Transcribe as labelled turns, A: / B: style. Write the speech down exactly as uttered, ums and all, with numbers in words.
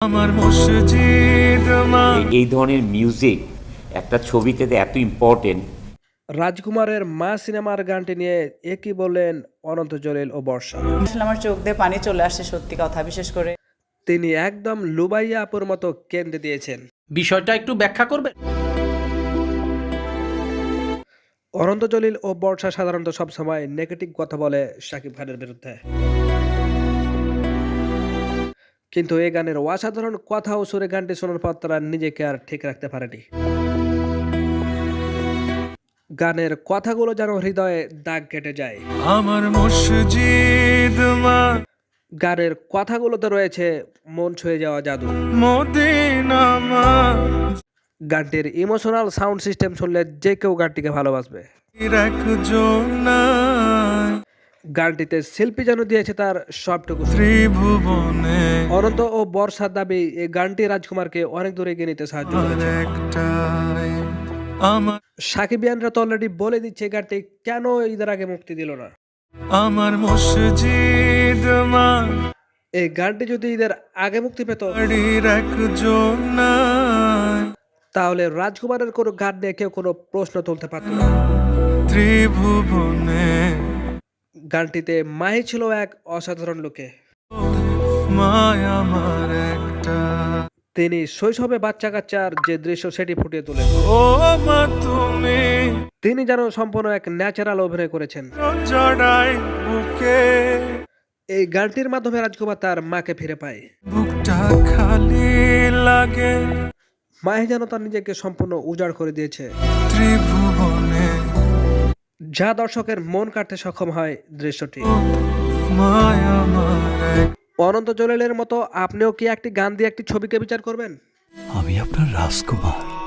A: আমার মসজিদ মা।
B: এই ধরনের মিউজিক একটা ছবিতে এত ইম্পর্টেন্ট।
C: রাজকুমারের মা সিনেমার গানটি নিয়ে একই বললেন অনন্ত জলিল ও বর্ষা।
D: আসলে আমার চোখ দিয়ে পানি চলে আসছে, সত্যি কথা। বিশেষ করে
C: তিনি একদম লুবাইয়া আপুর মতো কেন্দ্রে দিয়েছেন।
E: বিষয়টা একটু ব্যাখ্যা করবে।
C: অনন্ত জলিল ও বর্ষা সাধারণত সবসময় নেগেটিভ কথা বলে শাকিব খানের বিরুদ্ধে, কিন্তু এই গানের অসাধারণ কথা ও সুরে গানটি শোনার পর তারা নিজেকে আর ঠিক রাখতে পারেনি। গানের কথাগুলো যেন হৃদয়ে দাগ কেটে যায়।
A: আমার মসজিদ মা।
C: গানের কথাগুলোতে রয়েছে মন ছুঁয়ে যাওয়া জাদু।
A: মদিনা মা।
C: গানটির ইমোশনাল সাউন্ড সিস্টেম শুনলে যে কেউ গানটিকে ভালোবাসবে।
A: রাখজো না।
C: গানটিতে শিল্পী যেন দিয়েছে তার সবটুকু।
A: ত্রিভুবনে
C: অনন্ত ও বর্ষার দাবি এই গানটি রাজকুমারকে অনেক দূরে এগিয়ে নিতে সাহায্য করেছে।
A: একটাই আমার
C: সাকিবিয়ানরা তো অলরেডি বলে দিচ্ছে এই গানটি কেন ঈদের আগে মুক্তি দিল না।
A: আমার মসজিদ মা।
C: এই গানটি যদি ঈদের আগে মুক্তি পেত
A: রাখজো না।
C: তাহলে রাজকুমারের কোনো গান নিয়ে কেউ কোনো প্রশ্ন তুলতে পারত না।
A: ত্রিভুবনে
C: গানটিতে মাহি ছিল এক অসাধারণ লোকে।
A: মায় আমার একটা।
C: তিনি শৈশবে বাচ্চা কাচ্চার যে দৃশ্য সেটি ফুটিয়ে তোলেন।
A: ও মা তুমি
C: তিনি যেন সম্পূর্ণ এক ন্যাচারাল অভিনয় করেছেন।
A: জড়াই বুকে।
C: এই গানটির মাধ্যমে রাজকুমার তার মাকে ফিরে পায়।
A: বুকটা খালি লাগে।
C: মাহি যেন তার নিজেকে সম্পূর্ণ উজাড় করে দিয়েছে,
A: ত্রিভুবনে
C: যা দর্শকের মন কাটতে সক্ষম হয় দৃশ্যটি।
A: মায় আমার এক।
C: অনন্ত জলিলের মতো আপনিও কি একটি গান দিয়ে একটি ছবিকে বিচার করবেন?
F: আমি আপনার রাজকুমার।